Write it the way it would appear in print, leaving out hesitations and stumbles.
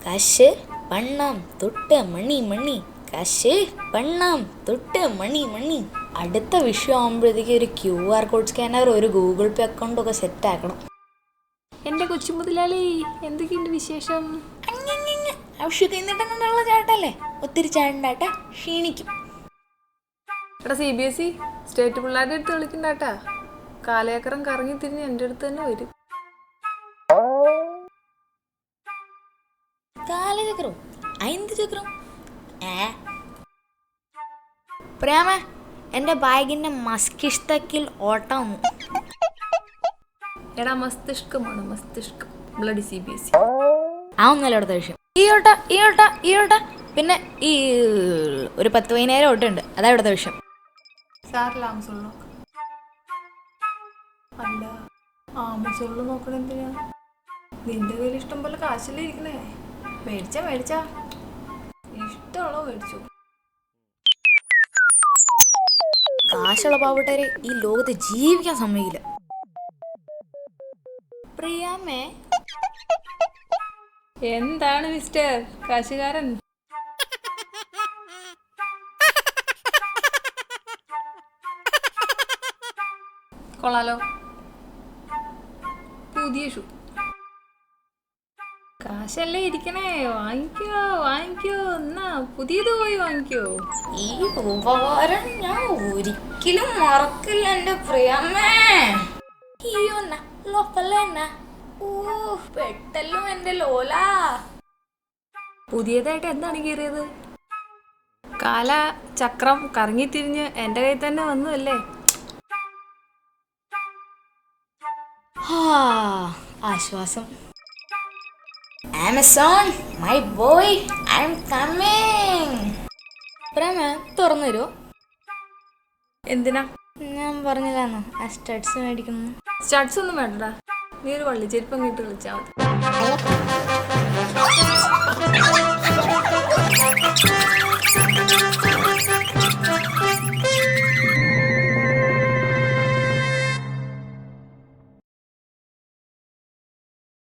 കാശ് പണം തൊട്ട് മണി മണി, കാശ് പണം തൊട്ട് മണി മണി. അടുത്ത വിഷയം ആകുമ്പോഴത്തേക്ക് ഒരു QR കോഡ് സ്കാനർ, ഒരു ഗൂഗിൾ പേ അക്കൗണ്ടൊക്കെ സെറ്റ് ആക്കണം. എൻ്റെ കൊച്ചു മുതലാളി, എന്തൊക്കെയുണ്ട് വിശേഷം? ആവശ്യമൊക്കെ എന്നിട്ടുള്ള ചാട്ടല്ലേ, ഒത്തിരി ചാണ്ടാട്ടാ ക്ഷീണിക്കും. എടാ CBSE സ്റ്റേറ്റ് പിള്ളേരുടെ അടുത്ത് കളിക്കണ്ടാട്ടാ. കാലയേക്കറം കറങ്ങി തിരിഞ്ഞ് എൻ്റെ അടുത്ത് തന്നെ വരും. കാലചക്രം അയിന്ത് ചക്രം പ്രേമ, എൻ്റെ ബാഗിൻ്റെ മസ്തിഷ്കത്തിൽ ഓട്ടം. എടാ മസ്തിഷ്കമാണ്, മസ്തിഷ്കം. ബ്ലഡി CBSE ഒന്നല്ല അടുത്ത വിഷയം. ഈ ഓട്ട പിന്നെ ഈ ഒരു 10-15 ഓട്ടുണ്ട്. അതാ ഇവിടുത്തെ വിഷയം. സാറില്ല ആമസോണിൽ നോക്കാം. അല്ല, ആമസോണിൽ നോക്കണ എന്തിനാ? നിന്റെ കയ്യിൽ ഇഷ്ടം പോലെ കാശല്ലേ ഇരിക്കണേ. മേടിച്ചാ ഇഷ്ടമുള്ളോ മേടിച്ചു. കാശുള്ള പാവപ്പെട്ടവരെ ഈ ലോകത്ത് ജീവിക്കാൻ സമ്മതിക്കില്ല. പ്രിയാമേ, എന്താണ് മിസ്റ്റർ കാശുകാരൻ? കൊള്ളാലോ, പുതിയ ഷൂ. കാശല്ലേ ഇരിക്കണേ, വാങ്ങിക്കോ എന്നാ പുതിയത് പോയി വാങ്ങിക്കോ. ഈ ഉപകാരം ഞാൻ ഒരിക്കലും മറക്കില്ല എൻ്റെ പ്രിയാമേ. പെട്ടല്ലോ എൻ്റെ ലോല. പുതിയതായിട്ട് എന്താണ് കീറിയത്? കാല ചക്രം കറങ്ങിത്തിരിഞ്ഞ് എൻ്റെ കയ്യിൽ തന്നെ വന്നതല്ലേ. ആശ്വാസം. Amazon my boy, I'm coming. Prema തുറന്നു തരുമോ? എന്തിനാ? ഞാൻ പറഞ്ഞില്ലാന്നോ ആ സ്റ്റഡ്സ് മേടിക്കുന്നു. സ്റ്റഡ്സ് ഒന്നും വേണ്ടടാ, നീ ഒരു വള്ളിച്ചെരുപ്പം കിട്ട് കളിച്ചാൽ മതി.